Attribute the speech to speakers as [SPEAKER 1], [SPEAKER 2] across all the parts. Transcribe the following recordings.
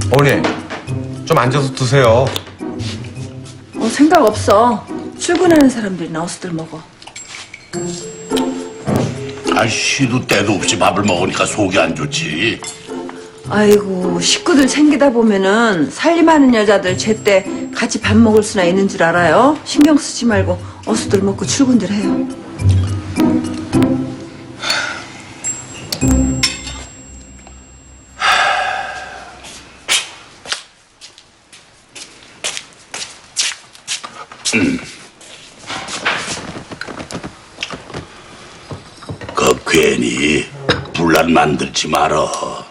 [SPEAKER 1] 어머니, 좀 앉아서 드세요.
[SPEAKER 2] 생각 없어. 출근하는 사람들이 나와서들 먹어.
[SPEAKER 3] 시도 때도 없이 밥을 먹으니까 속이 안 좋지.
[SPEAKER 2] 아이고, 식구들 챙기다 보면은 살림하는 여자들 제때 같이 밥 먹을 수나 있는 줄 알아요? 신경 쓰지 말고 어서들 먹고 출근들 해요.
[SPEAKER 3] 괜히 분란 만들지 말어.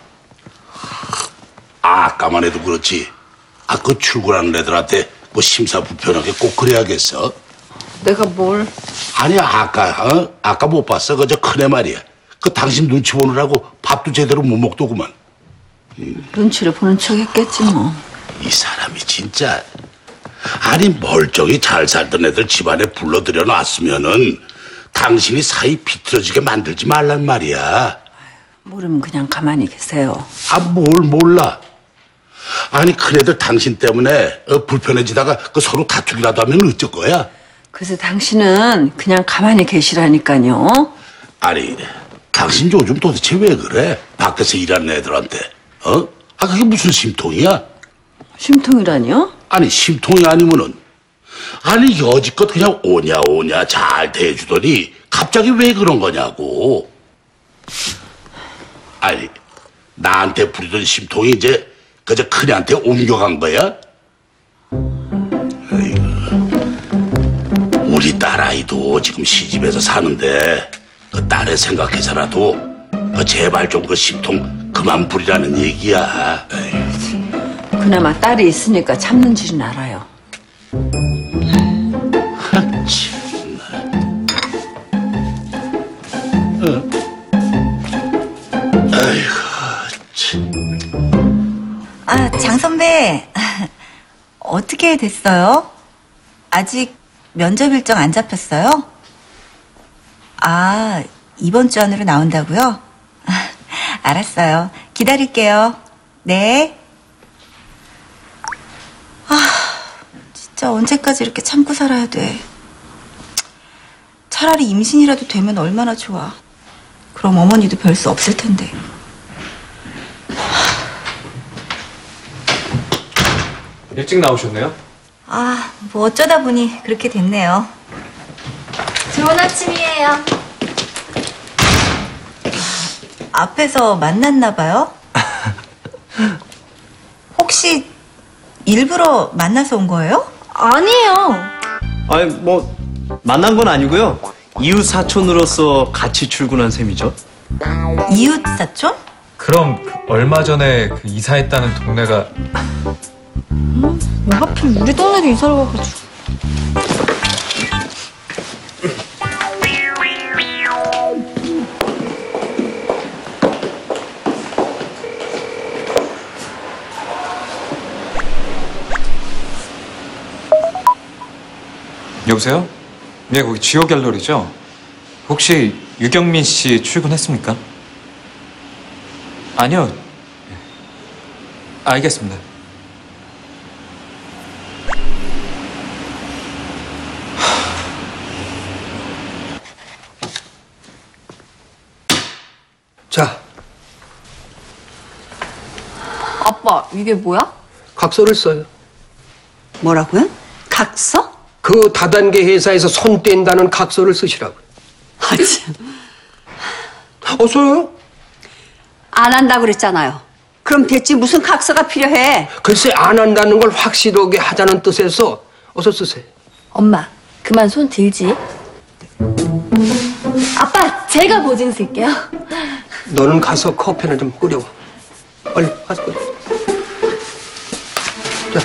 [SPEAKER 3] 아까만 해도 그렇지. 그 출근하는 애들한테 뭐 심사부편하게 꼭 그래야겠어.
[SPEAKER 2] 내가 뭘?
[SPEAKER 3] 아니 아까 못 봤어. 그저 큰애 말이야. 당신 눈치 보느라고 밥도 제대로 못 먹더구만.
[SPEAKER 2] 눈치를 보는 척 했겠지 뭐.
[SPEAKER 3] 이 사람이 진짜. 아니 멀쩡히 잘 살던 애들 집안에 불러들여 놨으면은 당신이 사이 비틀어지게 만들지 말란 말이야.
[SPEAKER 2] 모르면 그냥 가만히 계세요.
[SPEAKER 3] 뭘 몰라. 아니 큰애들 당신 때문에 불편해지다가 서로 다투기라도 하면 어쩔 거야?
[SPEAKER 2] 그래서 당신은 그냥 가만히 계시라니까요.
[SPEAKER 3] 아니 당신 요즘 도대체 왜 그래? 밖에서 일하는 애들한테 그게 무슨 심통이야?
[SPEAKER 2] 심통이라니요?
[SPEAKER 3] 아니 심통이 아니면은 아니 여지껏 그냥 오냐 잘 대해주더니 갑자기 왜 그런 거냐고. 아니 나한테 부리던 심통이 이제 그저 큰애한테 옮겨간 거야? 에이구, 우리 딸아이도 지금 시집에서 사는데 딸을 생각해서라도 제발 좀 심통 그만 부리라는 얘기야. 에이구.
[SPEAKER 2] 그나마 딸이 있으니까 참는 줄은 알아요.
[SPEAKER 3] 아이고, 참.
[SPEAKER 4] 장 선배, 어떻게 됐어요? 아직 면접 일정 안 잡혔어요? 이번 주 안으로 나온다고요? 알았어요. 기다릴게요. 네. 진짜 언제까지 이렇게 참고 살아야 돼. 차라리 임신이라도 되면 얼마나 좋아. 그럼 어머니도 별 수 없을 텐데.
[SPEAKER 1] 일찍 나오셨네요?
[SPEAKER 4] 뭐 어쩌다 보니 그렇게 됐네요.
[SPEAKER 5] 좋은 아침이에요.
[SPEAKER 4] 앞에서 만났나 봐요? 혹시 일부러 만나서 온 거예요?
[SPEAKER 5] 아니에요.
[SPEAKER 6] 아니 뭐 만난 건 아니고요. 이웃 사촌으로서 같이 출근한 셈이죠.
[SPEAKER 4] 이웃 사촌?
[SPEAKER 1] 그럼 얼마 전에 이사했다는 동네가
[SPEAKER 5] 왜 하필 우리 동네로 이사를 가가지고.
[SPEAKER 7] 여보세요? 네, 거기 지오 갤러리죠? 혹시 유경민 씨 출근했습니까? 아니요. 알겠습니다.
[SPEAKER 8] 자,
[SPEAKER 5] 아빠, 이게 뭐야?
[SPEAKER 8] 각서를 써요.
[SPEAKER 2] 뭐라고요? 각서?
[SPEAKER 8] 그 다단계 회사에서 손 뗀다는 각서를 쓰시라고.
[SPEAKER 2] 참.
[SPEAKER 8] 써요?
[SPEAKER 9] 안 한다고 그랬잖아요. 그럼 대체 무슨 각서가 필요해?
[SPEAKER 8] 글쎄 안 한다는 걸 확실하게 하자는 뜻에서 어서 쓰세요.
[SPEAKER 5] 엄마, 그만 손 들지. 아빠, 제가 보증 쓸게요.
[SPEAKER 8] 너는 가서 커피나 좀 끓여와. 얼른 가서 끓여. 자.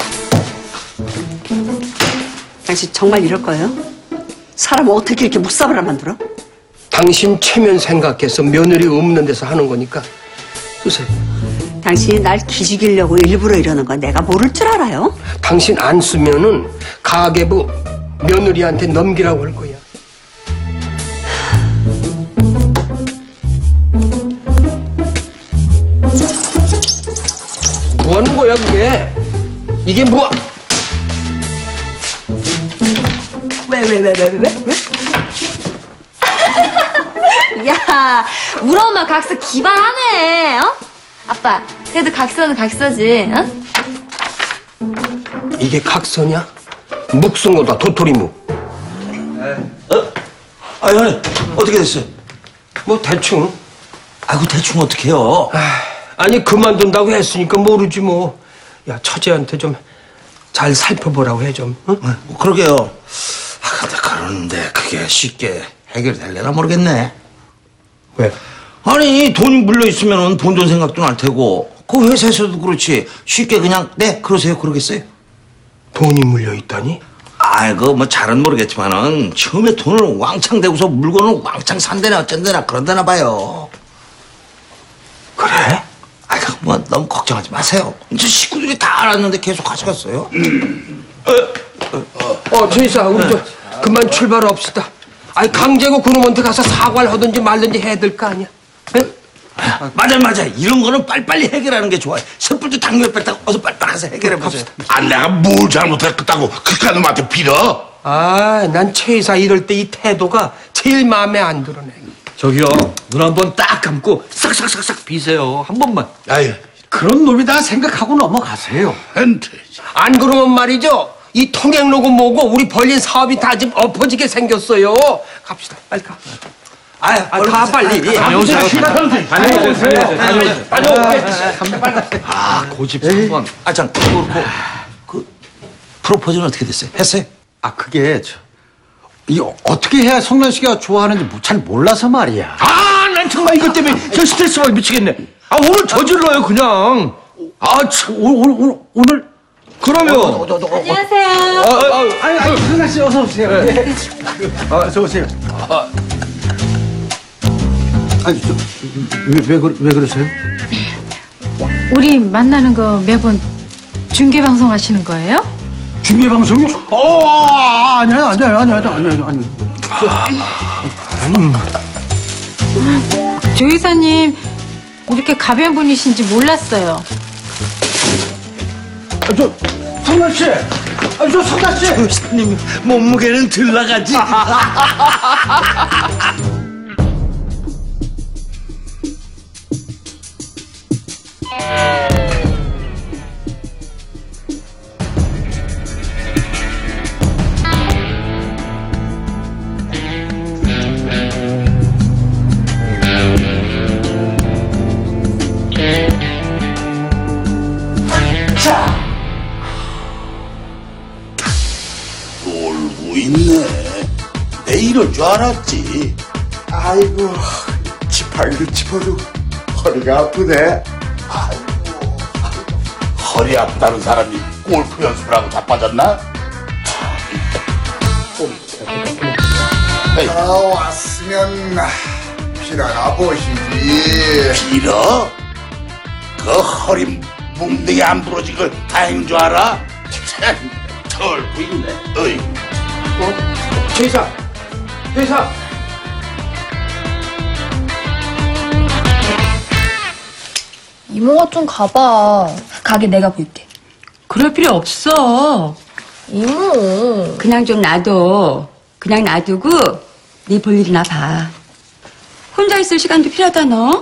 [SPEAKER 9] 당신 정말 이럴 거예요? 사람 어떻게 이렇게 묵사발을 만들어?
[SPEAKER 8] 당신 체면 생각해서 며느리 없는 데서 하는 거니까 쓰세요.
[SPEAKER 9] 당신이 날 기죽이려고 일부러 이러는 거 내가 모를 줄 알아요?
[SPEAKER 8] 당신 안 쓰면은 가계부 며느리한테 넘기라고 할 거야. 뭐 하는 거야? 거야 그게? 이게 뭐?
[SPEAKER 4] 왜?
[SPEAKER 5] 야, 우리 엄마 각서 기발하네, 어? 아빠, 그래도 각서는 각서지, 어?
[SPEAKER 8] 이게 각서냐? 묵성어다 도토리묵.
[SPEAKER 10] 아니, 어떻게 됐어요?
[SPEAKER 8] 뭐 대충.
[SPEAKER 10] 아이고, 대충 어떡해요?
[SPEAKER 8] 아니 그만둔다고 했으니까 모르지 뭐. 야 처제한테 좀 잘 살펴보라고 해 좀. 응?
[SPEAKER 10] 뭐 그러게요. 근데 그러는데 그게 쉽게 해결될려나 모르겠네.
[SPEAKER 8] 왜?
[SPEAKER 10] 아니, 돈이 물려있으면 본전 생각도 날 테고, 그 회사에서도 그렇지. 쉽게 그냥, 네, 그러세요. 그러겠어요?
[SPEAKER 8] 돈이 물려 있다니?
[SPEAKER 10] 아이고, 뭐 잘은 모르겠지만은, 처음에 돈을 왕창 대고서 물건을 왕창 산대나 어쩐대나 그런다나 봐요.
[SPEAKER 8] 그래?
[SPEAKER 10] 아이고, 뭐 너무 걱정하지 마세요. 이제 식구들이 다 알았는데 계속 가져갔어요.
[SPEAKER 8] 최이사 우리 저 그만 출발합시다. 아니 강제고 그놈한테 가서 사과를 하든지 말든지 해야 될 거 아니야? 응?
[SPEAKER 10] 맞아. 이런 거는 빨리빨리 해결하는 게 좋아요. 섣불도 당뇨 뺐다고 어서 빨리빨리 가서 해결해보세요.
[SPEAKER 3] 아, 내가 뭘 잘못했다고 그깟 놈한테 빌어?
[SPEAKER 8] 난 최이사 이럴 때 이 태도가 제일 마음에 안 들어네.
[SPEAKER 11] 저기요, 눈 한 번 딱 감고 싹싹싹싹 비세요. 한 번만.
[SPEAKER 3] 아유,
[SPEAKER 11] 그런 놈이다 생각하고 넘어가세요.
[SPEAKER 8] 안 그러면 말이죠. 이 통행로고 뭐고 우리 벌린 사업이 다 지금 엎어지게 생겼어요. 갑시다. 빨리 가. 가 빨리.
[SPEAKER 11] 다녀오세요.
[SPEAKER 10] 고집 한번. 참, 그렇고, 프로포즈는 어떻게 됐어요? 했어요?
[SPEAKER 11] 그게 이거 어떻게 해야 성란 씨가 좋아하는지 잘 몰라서 말이야. 난 정말 이것 때문에 저 스트레스 받아 미치겠네. 오늘 저질러요 그냥. 참, 오늘 그러면.
[SPEAKER 5] 안녕하세요.
[SPEAKER 11] 성란 씨 어서 오세요. 어서 오세요. 왜 그러세요?
[SPEAKER 12] 우리 만나는 거 매번 중계 방송 하시는 거예요?
[SPEAKER 11] 중계 방송이요? 아니야.
[SPEAKER 12] 조 이사님 이렇게 가벼운 분이신지 몰랐어요.
[SPEAKER 11] 성란 씨, 성란 씨.
[SPEAKER 10] 조사님 몸무게는 들 나가지.
[SPEAKER 3] 놀고 있네. 내 이럴 줄 알았지.
[SPEAKER 13] 아이고, 지팡이를 짚어도 허리가 아프네.
[SPEAKER 3] 아이고, 허리 아프다는 사람이 골프 연습을 하고 자빠졌나?
[SPEAKER 13] 왔으면 필요나 보시지.
[SPEAKER 3] 빌어? 그 허리 뭉댕이 안 부러진 걸 다행인 줄 알아? 참, 털고 있네. 어이.
[SPEAKER 8] 최이사.
[SPEAKER 5] 이모가 좀 가봐. 가게 내가 볼게.
[SPEAKER 9] 그럴 필요 없어.
[SPEAKER 5] 이모.
[SPEAKER 9] 그냥 좀 놔둬. 그냥 놔두고 네 볼일이나 봐. 혼자 있을 시간도 필요하다 너.